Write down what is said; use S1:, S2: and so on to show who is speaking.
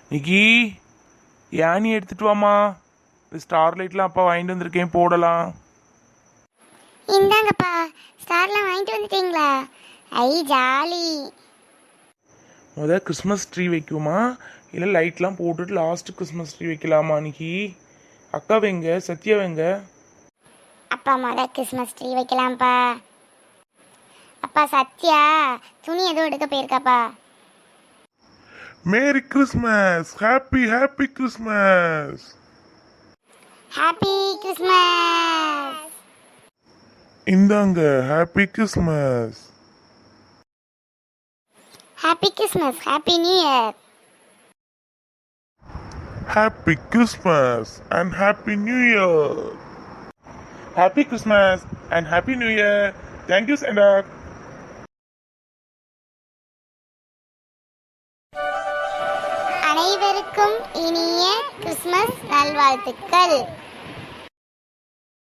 S1: நிக்கி any எடுத்துட்டு வாமா. Star லைட்லாம் அப்பா வாங்கிட்டு வந்திருக்கேன், போடலாம்.
S2: இந்தாங்கப்பா, ஸ்டார்லாம் வாங்கிட்டு வந்துட்டீங்களா? ஐ ஜாலி.
S1: கிறிஸ்மஸ் ட்ரீ வைக்குமா இல்லை லைட்லாம் போட்டுட்டு லாஸ்ட் கிறிஸ்மஸ் ட்ரீ வைக்கலாமா நிக்கி? அக்கா வைங்க, சத்யா வைங்க.
S2: அப்பா கிறிஸ்மஸ் ட்ரீ வைக்கலாம்ப்பா. அப்பா சத்யா துணி எதுவும் எடுக்க போயிருக்காப்பா.
S3: Merry Christmas, happy happy Christmas.
S2: Happy Christmas.
S3: இந்தாங்க happy Christmas.
S2: Happy Christmas, happy new year.
S3: Happy Christmas and happy new year.
S1: Happy Christmas and happy new year. Thank you Santa.
S2: அனைவருக்கும் இனிய கிறிஸ்மஸ் நல்வாழ்த்துக்கள்.